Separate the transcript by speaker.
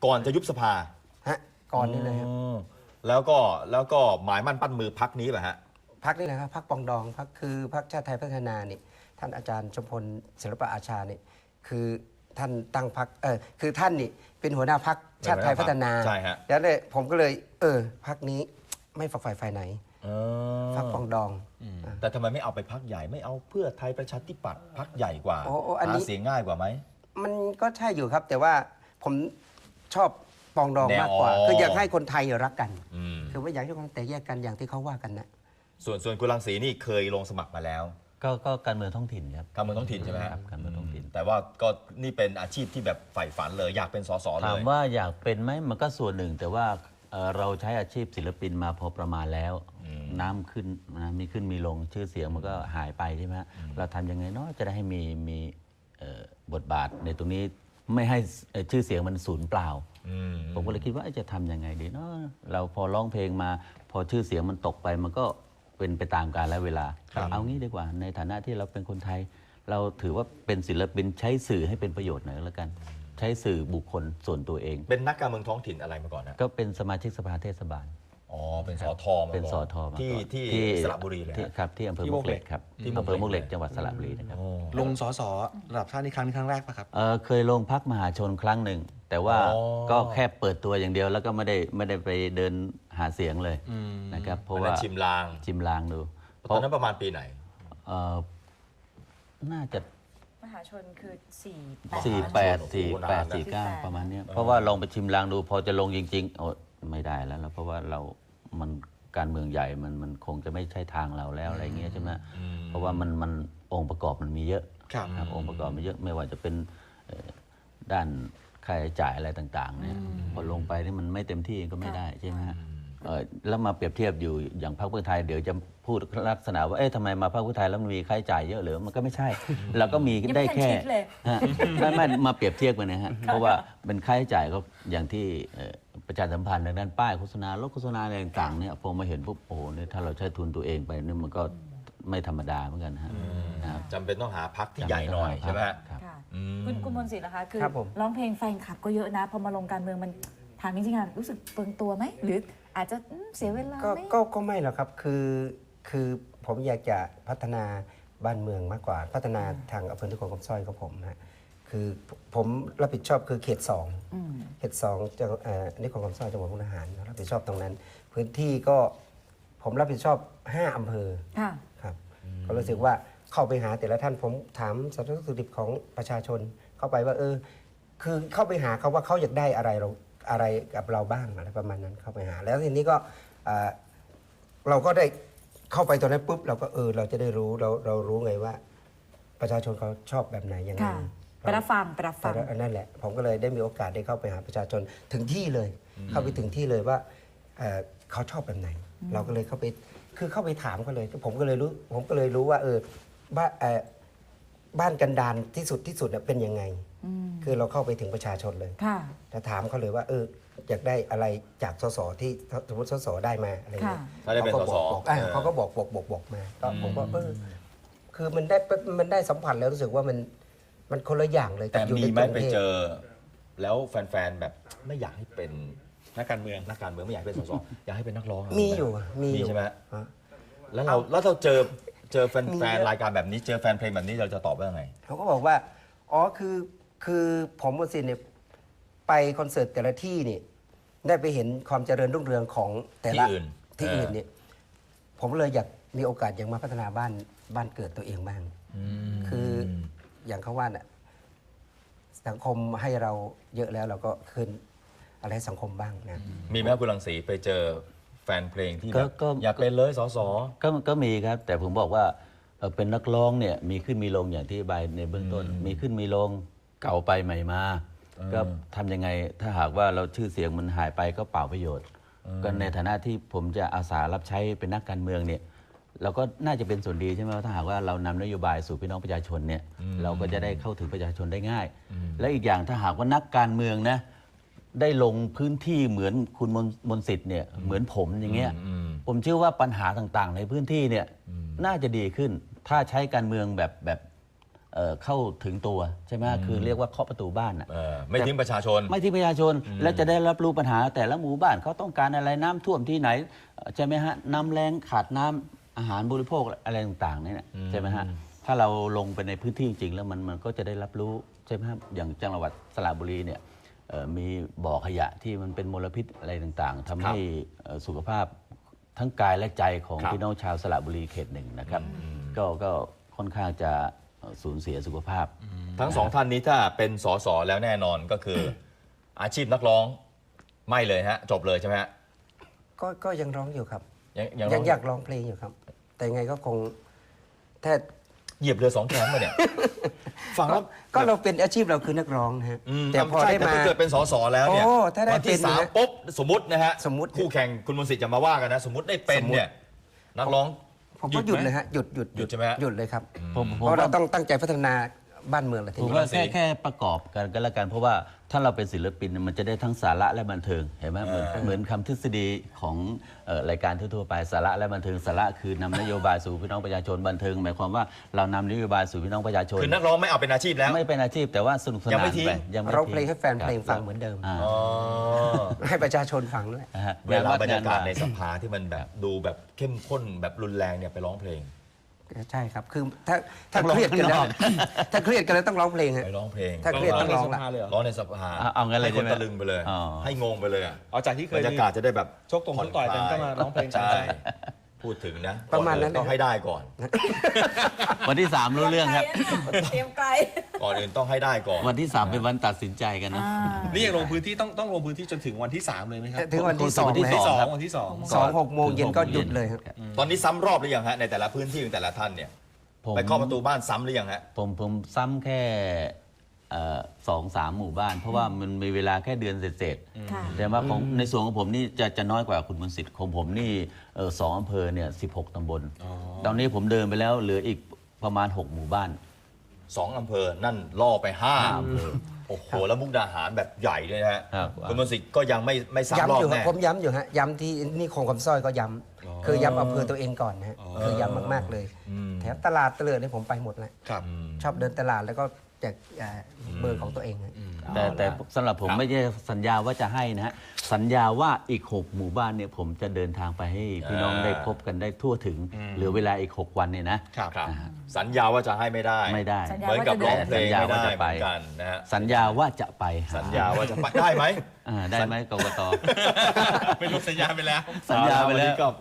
Speaker 1: ก่อนจะยุบสภา
Speaker 2: ฮะก่อนนี่เลยครับ
Speaker 1: แล้วก็หมายมั่นปั้นมือพักนี้แหละฮะ
Speaker 2: พักนี่แหละครับพักปองดองพักคือพักชาติไทยพัฒนานี่ท่านอาจารย์ชมพลศิลปะอาชานี่คือท่านตั้งพักคือท่านนี่เป็นหัวหน้าพักชาติไทยพัฒนา
Speaker 1: ใช่ฮะ
Speaker 2: แล้วเลยผมก็เลยพักนี้ไม่ฝักใฝ่ฝ่ายไหนพักปองดอง
Speaker 1: แต่ทำไมไม่เอาไปพักใหญ่ไม่เอาเพื่อไทยประชาธิปัตย์พักใหญ่กว่าหาเสียงง่ายกว่าไหม
Speaker 2: มันก็ใช่อยู่ครับแต่ว่าผมชอบปองดองมากกว่าคืออยากให้คนไทยรักกันคือไม่อยากให้คนแตกแยกกันอย่างที่เขาว่ากันนะ
Speaker 1: ส่วนคุณรังสีนี่เคยลงสมัครมาแล้ว
Speaker 3: ก็การเมืองท้องถิ่นครับ
Speaker 1: การเมืองท้องถิ่นใช่ไหม
Speaker 3: ครับการเมืองท้องถิ่น
Speaker 1: แต่ว่าก็นี่เป็นอาชีพที่แบบใฝ่ฝันเลยอยากเป็นสสเลย
Speaker 3: ถามว่าอยากเป็นไหมมันก็ส่วนหนึ่งแต่ว่าเราใช้อาชีพศิลปินมาพอประมาณแล้วน้ำขึ้นมีขึ้นมีลงชื่อเสียงมันก็หายไปใช่ไหมเราทำยังไงเนาะจะได้ให้มีบทบาทในตรงนี้ไม่ให้ชื่อเสียงมันสูญเปล่าผมก็เลยคิดว่าจะทำยังไงดีเนาะเราพอร้องเพลงมาพอชื่อเสียงมันตกไปมันก็เป็นไปตามกาลและเวลาเอางี้ดีกว่าในฐานะที่เราเป็นคนไทยเราถือว่าเป็นศิลปินใช้สื่อให้เป็นประโยชน์หน่อยแล้วกันใช้สื่อบุคคลส่วนตัวเอง
Speaker 1: เป็นนักการเมืองท้องถิ่นอะไรมาก่อนนะ
Speaker 3: ก็เป็นสมาชิกสภาเทศบาล
Speaker 1: เป็นสทมา
Speaker 3: เป็นสท
Speaker 1: ที่สระบุรีเลย
Speaker 3: ครับที่อำเภอมวกเหล็กครับอำเภอมวกเหล็กจังหวัดสระบุรีนะครับ
Speaker 4: ลงสสระดับชาตินี่ครั้งแรกป่ะครับ
Speaker 3: เคยลงพักมหาชนครั้งหนึ่งแต่ว่าก็แค่เปิดตัวอย่างเดียวแล้วก็ไม่ได้ไปเดินหาเสียงเลยนะครับเพราะว่า
Speaker 1: ชิมลาง
Speaker 3: ดู
Speaker 1: ตอนนั้นประมาณปีไหน
Speaker 3: น่าจะ
Speaker 5: มหาชนคือ
Speaker 3: 48 ประมาณนี้เพราะว่าลองไปชิมลางดูพอจะลงจริงๆโอ้ไม่ได้แล้วเพราะว่ามันการเมืองใหญ่มันคงจะไม่ใช่ทางเราแล้วอะไรเงี้ยใช่ไหมเพราะว่ามันองค์ประกอบมันมีเยอะครับองค์ประกอบมันเยอะไม่ว่าจะเป็นด้านค่าใช้จ่ายอะไรต่างๆเนี่ยพอลงไปนี่มันไม่เต็มที่ก็ไม่ได้ใช่ไหมฮะแล้วมาเปรียบเทียบอยู่อย่างพรรคเพื่อไทยเดี๋ยวจะพูดลักษณะว่าทำไมมาพรรคเพื่อไทยแล้วมันมีค่าใช้จ่ายเยอะหรือมันก็ไม่ใช่เราก็มีได้แค่ไม่มาเปรียบเทียบกันนะฮะเพราะว่าเป็นค่าใช้จ่ายก็อย่างที่ประชาสัมพันธ์ในด้านป้ายโฆษณารถโฆษณาอะไรต่างๆเนี่ยพอมาเห็นปุ๊บโอ้โหเนี่ยถ้าเราใช้ทุนตัวเองไปนี่มันก็ไม่ธรรมดาเหมือนกันฮะ
Speaker 1: จำเป็นต้องหาพรรคที่ใหญ่หน่อยใช่ไหม
Speaker 5: คุณมนต์สิทธิ์นะคะคือร้องเพลงแฟนคลับก็เยอะนะพอมาลงการเมืองมันถามจริงๆรู้สึกเปลืองตัวไหมหรืออาจจะเสียเวลาไหม
Speaker 2: ก็ไม่หรอกครับคือผมอยากจะพัฒนาบ้านเมืองมากกว่าพัฒนาทางอำเภอนิคมคำสร้อยของผมนะคือผมรับผิดชอบคือเขต2จังนิคมคำสร้อยจังหวัดมุกดาหารรับผิดชอบตรงนั้นพื้นที่ก็ผมรับผิดชอบ5อำเภอครับก็รู้สึกว่าเข้าไปหาแต่ละท่านผมถามสารทุกข์สุขดิบของประชาชนเข้าไปว่าคือเข้าไปหาเขาว่าเขาอยากได้อะไรกับเราบ้างอะไรประมาณนั้นเข้าไปหาแล้วทีนี้ก็เราก็ได้เข้าไปตอนนั้นปุ๊บเราก็เราจะได้รู้เรารู้ไงว่าประชาชนเขาชอบแบบไหนยังไง
Speaker 5: ไปรับฟัง
Speaker 2: นั่นแหละผมก็เลยได้มีโอกาสได้เข้าไปหาประชาชนถึงที่เลยเข้าไปถึงที่เลยว่าเขาชอบแบบไหนเราก็เลยเข้าไปคือเข้าไปถามเขาเลยผมก็เลยรู้ว่าบ้านกันดารที่สุดเป็นยังไงคือเราเข้าไปถึงประชาชนเลยจะถามเขาเลยว่าอยากได้อะไรจากสสที่สมมติสสได้มาอะไรเงี้ยเขาก็บอกมาก็ผมว่าคือมันได้สัมผัสแล้วรู้สึกว่ามันคนละอย่างเลย
Speaker 1: แต่มีไหมไปเจอแล้วแฟนๆแบบไม่อยากให้เป็นนักการเมืองไม่อยากให้เป็นสสอยากให้เป็นนักร้อง
Speaker 2: มีอยู่
Speaker 1: ใช่ไหมแล้วเราเจอแฟนรายการแบบนี้เจอแฟนเพลงแบบนี้เราจะตอบว่าไง
Speaker 2: เขาก็บอกว่าคือผมมนต์สิทธิ์เนี่ยไปคอนเสิร์ตแต่ละที่นี่ได้ไปเห็นความเจริญรุ่งเรืองของแต่ละที่อื่นเนี่ยผมเลยอยากมีโอกาสอยากมาพัฒนาบ้านเกิดตัวเองบ้างคืออย่างเขาว่าน่ะสังคมให้เราเยอะแล้วเราก็คืนอะไรให้สังคมบ้างนะ
Speaker 1: มีไหมคุณรังสีไปเจอแฟนเพลงที่อยากเป็นเลยสส
Speaker 3: ก็มีครับแต่ผมบอกว่าเป็นนักร้องเนี่ยมีขึ้นมีลงอย่างที่ใบในเบื้องต้นมีขึ้นมีลงเก่าไปใหม่มาก็ทำยังไงถ้าหากว่าเราชื่อเสียงมันหายไปก็เปล่าประโยชน์ก็ในฐานะที่ผมจะอาสารับใช้เป็นนักการเมืองเนี่ยเราก็น่าจะเป็นส่วนดีใช่ไหมถ้าหากว่าเรานำนโยบายสู่พี่น้องประชาชนเนี่ยเราก็จะได้เข้าถึงประชาชนได้ง่ายและอีกอย่างถ้าหากว่านักการเมืองนะได้ลงพื้นที่เหมือนคุณมนต์สิทธิ์เนี่ยเหมือนผมอย่างเงี้ยผมเชื่อว่าปัญหาต่างๆในพื้นที่เนี่ยน่าจะดีขึ้นถ้าใช้การเมืองแบบเข้าถึงตัวใช่ไหมคือเรียกว่าเคาะประตูบ้านอะ
Speaker 1: ไม่ทิ้งประชาชน
Speaker 3: ไม่ที่ประชาชนและจะได้รับรู้ปัญหาแต่ละหมู่บ้านเขาต้องการอะไรน้ำท่วมที่ไหนใช่ไหมฮะน้ำแรงขาดน้ำอาหารบริโภคอะไรต่างๆเนี่ยใช่ไหมฮะถ้าเราลงไปในพื้นที่จริงแล้วมันก็จะได้รับรู้ใช่ไหมครับอย่างจังหวัดสระบุรีเนี่ยมีบ่อขยะที่มันเป็นมลพิษอะไรต่างๆทำให้สุขภาพทั้งกายและใจของ
Speaker 1: ครับ
Speaker 3: พี่น้องชาวสระบุรีเขตหนึ่งนะครับก็ค่อนข้างจะสูญเสียสุขภาพ
Speaker 1: ทั้งสองท่านนี้ถ้าเป็นสสแล้วแน่นอนก็คือ อาชีพนักร้องไม่เลยฮะจบเลยใช่ไหมฮะ
Speaker 2: ก็ยังร้องอยู่ครับ
Speaker 1: ยัง
Speaker 2: ยังอยากร้องเพลงอยู่ครับ แต่ยังไงก็คงถ้า
Speaker 1: เหยียบเรือสองแคมมาเนี่ยฟังแล้ว
Speaker 2: ก็เราเป็นอาชีพเราคือนักร้องนะฮะ แต่พอ
Speaker 1: ใช่
Speaker 2: ได้
Speaker 1: แต่
Speaker 2: มา
Speaker 1: ถ้าเกิดเป็นสสแล้วเนี่ย
Speaker 2: โอ้ถ้าได้
Speaker 1: วันที่
Speaker 2: เป็น
Speaker 1: สาม
Speaker 2: นะ
Speaker 1: ปุ๊บสมมตินะฮะ
Speaker 2: สมมุติ
Speaker 1: คู่แข่งคุณมนต์สิทธิ์จะมาว่ากันนะ สมมติได้เป็นเนี่ยนักร้อง
Speaker 2: ผมก็หยุดเลยฮะหยุด
Speaker 1: หยุดใช่ไหมฮะ
Speaker 2: หยุดเลยครับ
Speaker 3: ผม
Speaker 2: เพราะเราต้องตั้งใจพัฒนาบ้านเมืองเลยที
Speaker 3: ผม
Speaker 2: นี้
Speaker 3: ว่าแค่ประกอบกันก็แล้วกัน เพราะว่าถ้าเราเป็นศิลปินมันจะได้ทั้งสาระและบันเทิงเห็นไหมเหมือนคำทฤษฎีของรายการทั่วๆไปสาระและบันเทิงสาระคือนำนโยบายสู่พี่น้องประชาชนบันเทิงหมายความว่าเรานำนโยบายสู่พี่น้องประชาชน
Speaker 1: คือนักร้องไม่เอาเป็นอาชีพแล้ว
Speaker 3: ไม่เป็นอาชีพแต่ว่าสนุกส
Speaker 1: ยัง
Speaker 3: นา
Speaker 1: ไม่
Speaker 3: น
Speaker 1: ทิ้ง
Speaker 3: ไปยังไม่
Speaker 2: ร้องเพลง
Speaker 3: ทิ้
Speaker 2: ให้แฟนเพลงฟังเหมือนเดิม
Speaker 3: อ่า
Speaker 1: อ๋อ
Speaker 2: ให้ประชาชนฟังด้วย
Speaker 3: นะฮะ
Speaker 1: เวลาบรรยากาศใน
Speaker 3: ง
Speaker 1: สภาที่มันแบบดูแบบเข้มข้นแบบรุนแรงเนี่ยไปร้องเพลง
Speaker 2: ใช่ครับ คือถ้าเครียดกันแล้วถ้าเครียดกันแล้วต้องร้องเพลงฮะ
Speaker 1: ไปร้องเพลง
Speaker 2: ถ้าเครียดต้องร้อง
Speaker 4: ใน
Speaker 2: ละ
Speaker 4: สภาเลยเหรอ
Speaker 1: ร้องในสภา
Speaker 3: เอางั้นเลย
Speaker 1: ให้คน
Speaker 3: ใช่ไหม
Speaker 1: ตะลึงไปเลย
Speaker 3: อ๋อ
Speaker 1: ให้งงไปเลยอะ
Speaker 4: เอาจากที่เค
Speaker 1: บร
Speaker 4: ย
Speaker 1: รยากาศจะได้แบบ
Speaker 4: ชกตรงชกต่อยกันก็มาร้องเพลง
Speaker 1: ใช่
Speaker 4: ใช่
Speaker 1: พูดถึงนะ
Speaker 2: ประมาณนั้น
Speaker 1: ก่ออื่ต้องให้ได้ก่อน
Speaker 3: วันที่ 3 รู้เรื่องครับ
Speaker 5: เตรียมไกล
Speaker 1: ก่อนอื่นต้องให้ได้ก่อน
Speaker 3: วันที่ 3 เป็นวันตัดสินใจกันนะ
Speaker 4: นี่ยังลงพื้นที่ต้องลงพื้นที่จนถึงวันที่ 3 เลยไหมครับ
Speaker 2: ถึงวันที่สอง
Speaker 3: วันที่
Speaker 2: นะ
Speaker 3: ส
Speaker 2: ฮะ
Speaker 3: อง
Speaker 4: วันที่สอง
Speaker 2: 2-6 โมงเย็นก็หยุดเลยครับ
Speaker 1: ตอนนี้ซ้ำรอบหรือยังฮะในแต่ละพื้นที่ของแต่ละท่านเนี่ย
Speaker 3: ผม
Speaker 1: ไปเคาะประตูบ้านซ้ำหรือยังฮะ
Speaker 3: ผมซ้ำแค่2-3 หมู่บ้าน เพราะว่ามันมีเวลาแค่เดือนเศษ
Speaker 5: ค่ะ
Speaker 3: ๆแต่ว่าของในส่วนของผมนี่จะน้อยกว่าคุณมนต์สิทธิ์ของผมนี่2 อำเภอเนี่ย16 ตำบล ตอนนี้ผมเดินไปแล้วเหลืออีกประมาณ 6 หมู่บ้าน
Speaker 1: 2 อำเภอนั่นล่อไป5
Speaker 3: อำเภอ
Speaker 1: โอ้โหแล้วมุกดาหารแบบใหญ่เลยนะฮะ
Speaker 3: ครับ
Speaker 1: คุณมนต์สิทธิ์ก็ยังไม่ซ้ำร
Speaker 2: ย้ำ
Speaker 1: อบ
Speaker 2: อยู่ครับ
Speaker 1: แน่
Speaker 2: ผมย้ำอยู่ฮะย้ำที่นี่คงคำสร้อยก็ย้ำคือย้ำอำเภอตัวเองก่อนนะฮะคือย้ำมากๆเลยแถวตลาดเตลิดนี่ผมไปหมดแล้ว
Speaker 4: ครับ
Speaker 2: ชอบเดินตลาดแล้วก็แจกเบอร์ของตัวเองฮะ
Speaker 3: แต่สำหรับผมไม่ใช่สัญญาว่าจะให้นะฮะสัญญาว่าอีก 6 หมู่บ้านเนี่ยผมจะเดินทางไปให้พี่น้องได้พบกันได้ทั่วถึงเหลือเวลาอีก 6 วันเนี่ยนะครับ
Speaker 1: ครับสัญญาว่าจะให้ไม่ได้
Speaker 3: ไม่ได้
Speaker 5: สัญญา
Speaker 1: เหมือนกับร้องเพลง
Speaker 3: สัญญา
Speaker 1: ไม่
Speaker 3: ว่า
Speaker 1: ได้
Speaker 3: จะ
Speaker 1: เห
Speaker 3: ไป
Speaker 1: มือนกันนะฮะ
Speaker 3: สัญญาว่าจะไปห
Speaker 1: สัญญาว่าจะไปได้ไหม
Speaker 3: ได้ไหมกกต
Speaker 4: เป็นรูปสัญญาไปแล้ว
Speaker 3: สัญญาไปแล้ว
Speaker 1: นนี้ก็